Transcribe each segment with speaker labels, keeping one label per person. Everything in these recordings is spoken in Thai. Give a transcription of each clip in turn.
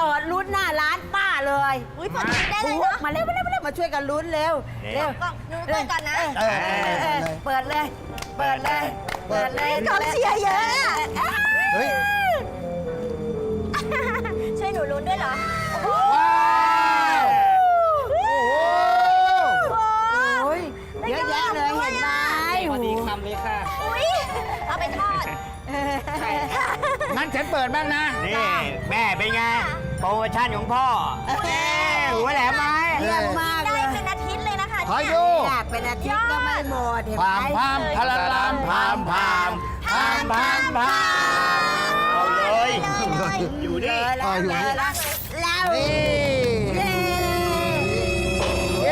Speaker 1: ปิดลุ้นหน้าร้านป้าเลย
Speaker 2: อุ้ยพอดีได้เลยเนาะ
Speaker 1: มาเร็วมาช่วยกันลุ้นเร็วเร็ว
Speaker 2: ก็หนูเปิดก่อนนะ
Speaker 1: เปิดเลยเปิดเลย
Speaker 2: กองเชียร์เยอะอะ
Speaker 3: เฮ้ย
Speaker 2: ช่วยหนูลุ้นด้วยเหรอ
Speaker 3: ว้าวโอ้โห
Speaker 1: โอ้ยเยอะแยะเลยเห็นไหม
Speaker 4: พอดีคำเลยค่ะ
Speaker 2: อุ้ยเอาไปทอด
Speaker 3: งั้นฉันเปิดบ้างนะ
Speaker 4: นี่แม่เป็นไง โปรโมชั่นของพ่อหัวแหลมไหม
Speaker 1: เยี่ยมมาก
Speaker 2: ได้
Speaker 1: เลย
Speaker 2: เป็นอาทิตย์เลยนะคะ
Speaker 3: ขอ
Speaker 2: เนี่ย
Speaker 3: ดู
Speaker 1: อยากเป็นอาทิตย์ก็ไม่หมดเห็นไห
Speaker 3: พาม พามพลาลามพามพามพามพามพาม
Speaker 4: เอาเลย อยู่
Speaker 1: เล
Speaker 4: ดิ
Speaker 1: ยแล้วแล้ว
Speaker 3: นี่
Speaker 1: เย้
Speaker 3: เย้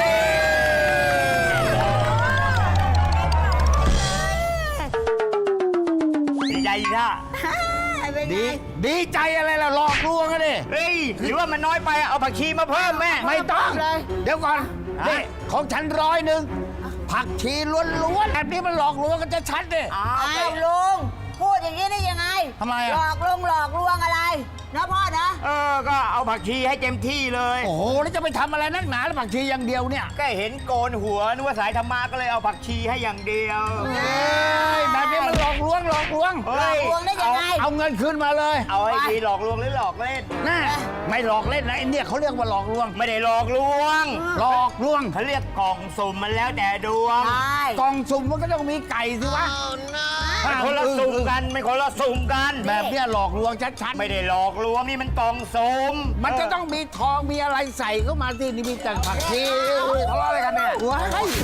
Speaker 4: ดีใจอีกท่า
Speaker 1: เป็นไง
Speaker 3: ดีใจอะไรล่ะหลอกลวงกันดิ
Speaker 4: เฮ้ย หรือว่ามันน้อยไปเอาผักชีมาเพิ่มแม่
Speaker 3: ไม่ต้อง
Speaker 1: เลย
Speaker 3: เดี๋ยวก่อน
Speaker 4: ฮะ
Speaker 3: นี่ของฉัน100ผักชีล้วนๆแบบนี้มันหลอกลวงกันจะชัดดิ
Speaker 1: อ้าวลุงพูดอย่างนี้ได้ยังไง
Speaker 3: ทำไมอะ
Speaker 1: หลอกลวงอะไรนะพ่อนะ
Speaker 4: ก็เอาผักชีให้เต็มที่เลย
Speaker 3: โอ้โหแล้วจะไปทำอะไรนักหนาแล้วผักชีอย่างเดียวเนี่ย
Speaker 4: ก็เห็นโกนหัวนึกว่าสายธรรมะก็เลยเอาผักชีให้อย่างเดียว
Speaker 3: เอ้ยแบบนี้มันหลอกลวง
Speaker 4: เฮ้ย
Speaker 1: หลอกลวงได้ยังไง
Speaker 3: เอาเงินคืนมาเลย
Speaker 4: เอาให้ดีหลอกลวงหรือหลอกเล่น
Speaker 3: น่าไม่หลอกเล่นนะไอ้เนี่ยเขาเรียกว่าหลอกลวง
Speaker 4: ไม่ได้หลอกลวง
Speaker 3: หลอกลวง
Speaker 4: เขาเรียกกล่องสุ่มมันแล้วแต่ดวง
Speaker 1: ใช่
Speaker 3: กล่องสุ่มมันก็ต้องมีไก่สิวะ
Speaker 4: มันคนละสุ่มกันไม่คนละสุ่มกัน
Speaker 3: แบบเนี้ยหลอกลวงชัดๆ
Speaker 4: ไม่ได้หลอกลวงนี่มันกล่องสุ่ม
Speaker 3: มันจะต้องมีทองมีอะไรใส่เข้ามาที่นี่มีแต่ผักชีทะเลาะอะไรกันเนี่ยว้าย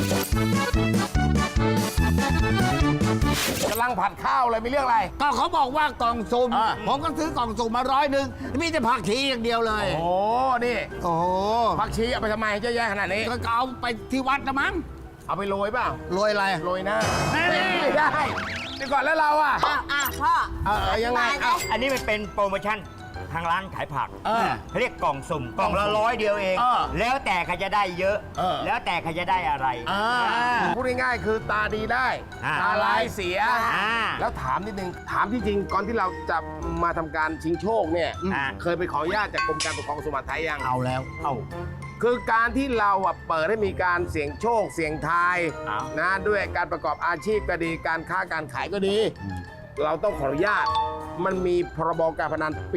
Speaker 5: กำลังผัดข้าวเลยมีเรื่องอะไร
Speaker 3: ก็เขาบอกว่ากล่องสุ่ม
Speaker 5: อ่า
Speaker 3: ผมก็ซื้อกล่องสุ่มมา100มีแต่ผักชีอย่างเดียวเลย
Speaker 5: โอ้นี่
Speaker 3: โอ้โห
Speaker 5: ผักชีเอาไปทำไมเยอะแยะขนาดนี้
Speaker 3: ก็เอาไปที่วัดนะมั้ง
Speaker 5: เอาไปโรยเปล่า
Speaker 3: โรยอะไร
Speaker 5: โรยหน้า
Speaker 3: แน่
Speaker 5: ไม่ได้เดี๋ยวก่อนแล้วเราอ่ะ
Speaker 1: พ่อ
Speaker 5: ยังไง
Speaker 1: เอ้า
Speaker 4: อันนี้มันเป็นโปรโมชั่นทางร้านขายผัก
Speaker 5: เออ
Speaker 4: เขาเรียกกล่องสุ่มกล่องละ100 เดียวเอง
Speaker 5: เออ
Speaker 4: แล้วแต่ใครจะได้เยอะ
Speaker 5: เออ
Speaker 4: แล้วแต่ใครจะได้อะไร
Speaker 5: พูดง่ายๆคือตาดีได้
Speaker 4: อ่า
Speaker 5: ตาลายเสีย
Speaker 4: อ่า
Speaker 5: แล้วถามนิดนึง ถามที่จริงก่อนที่เราจะมาทำการชิงโชคเนี่ย
Speaker 4: อ่า
Speaker 5: เคยไปขออนุญาตจากกรมการปกครองสุมาไทยยัง
Speaker 3: เอาแล้ว
Speaker 4: เอ้า
Speaker 5: คือการที่เราอ่ะเปิดให้มีการเสี่ยงโชคเสี่ยงทาย
Speaker 4: อ้าว
Speaker 5: นะด้วยการประกอบอาชีพก็ดีการค้าการขายก็ดี เราต้องขออนุญาต มันมีพรบการพนันปี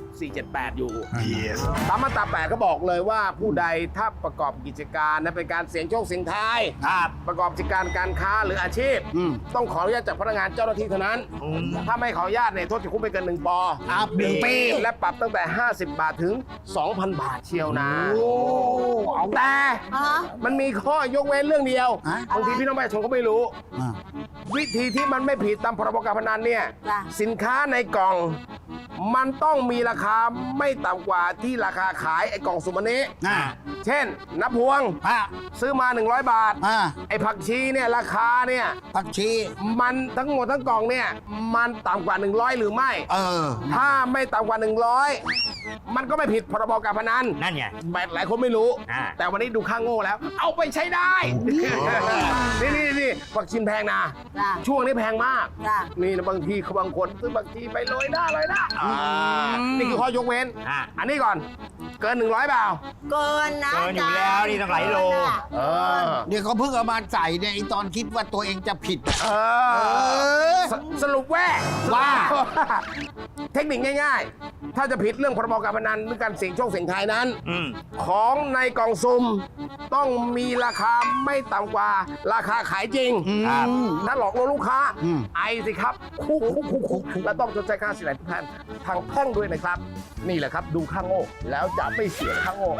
Speaker 5: 2478 อยู่ ตามมาตรา 8 ก็บอกเลยว่าผู้ใดถ้าประกอบกิจการนะเป็นการเสี่ยงโชคเสี่ยงทาย
Speaker 4: ครับ
Speaker 5: ประกอบกิจการการค้าหรืออาชีพ ต้องขออนุญาตจากพนักงานเจ้าหน้าที่เท่านั้น ถ้าไม่ขออนุญาตเนี่ยโทษจำคุกไม่เกิน1 ป
Speaker 3: ครับ1 ปี
Speaker 5: และปรับตั้งแต่ 50 บาทถึง 2,000 บาทเชียวนะ
Speaker 3: เอา
Speaker 5: แต่
Speaker 1: อ๋อ
Speaker 5: มันมีข้อยกเว้นเรื่องเดียว
Speaker 3: ฮะ
Speaker 5: บางทีพี่น้องประชาชนก็ไม่รู้
Speaker 3: อ่ะ
Speaker 5: วิธีที่มันไม่ผิดตามพรบการพนันเนี่ย
Speaker 1: จ้ะ
Speaker 5: สินค้าในกล่อง มันต้องมีราคาไม่ต่ำกว่าที่ราคาขายไอ้กล่องสุ่มอันนี้
Speaker 3: อ่ะ
Speaker 5: เช่นน้ำพวง
Speaker 3: อ่ะ
Speaker 5: ซื้อมา 100 บาท
Speaker 3: อ่ะ
Speaker 5: ไอ้ผักชีเนี่ยราคาเนี่ย
Speaker 3: ผักชี
Speaker 5: มันทั้งหมดทั้งกล่องเนี่ยมันต่ำกว่า 100 หรือไม่
Speaker 3: เออ
Speaker 5: ถ้าไม่ต่ำกว่า 100 มันก็ไม่ผิดพรบการพนัน
Speaker 4: นั่นไง
Speaker 5: แบบหลายคนไม่รู้
Speaker 4: อ่า
Speaker 5: แต่วันนี้ดูข้างโง่แล้ว เอาไปใช้ได้ นี่ผักชีแพงนะ
Speaker 1: จ้ะ
Speaker 5: ช่วงนี้แพงมาก
Speaker 1: จ้ะ
Speaker 5: นี่นะบางทีเขาบางคนซื้อผักชีไปโรยหน้านี่คือข้อยกเว้น
Speaker 4: อ่า
Speaker 5: อันนี้ก่อน เกิน 100เปล่า
Speaker 1: เกินนะ
Speaker 4: เกินอยู่แล้วนี่ต้องหลายโล
Speaker 5: เออ
Speaker 3: เนี่ยเขาเพิ่งเอามาใส่เนี่ยไอตอนคิดว่าตัวเองจะผิด
Speaker 5: เออสรุปว่า เทคนิคง่ายๆ ถ้าจะผิดเรื่องพรบการพนันหรือการเสี่ยงโชคเสี่ยงทายนั้น
Speaker 4: อืม
Speaker 5: ของในกล่องซุ่มต้องมีราคาไม่ต่ำกว่าราคาขายจริง
Speaker 4: ครับ
Speaker 5: ถ้าหลอกลวงลูกค้า
Speaker 3: อืม
Speaker 5: ไอสิครับคุกและต้องชดใช้ค่าเสียหายทุกท่านทางแพ่งด้วยนะครับ นี่แหละครับดูข้างโง่แล้วจะไม่เสียข้างโง่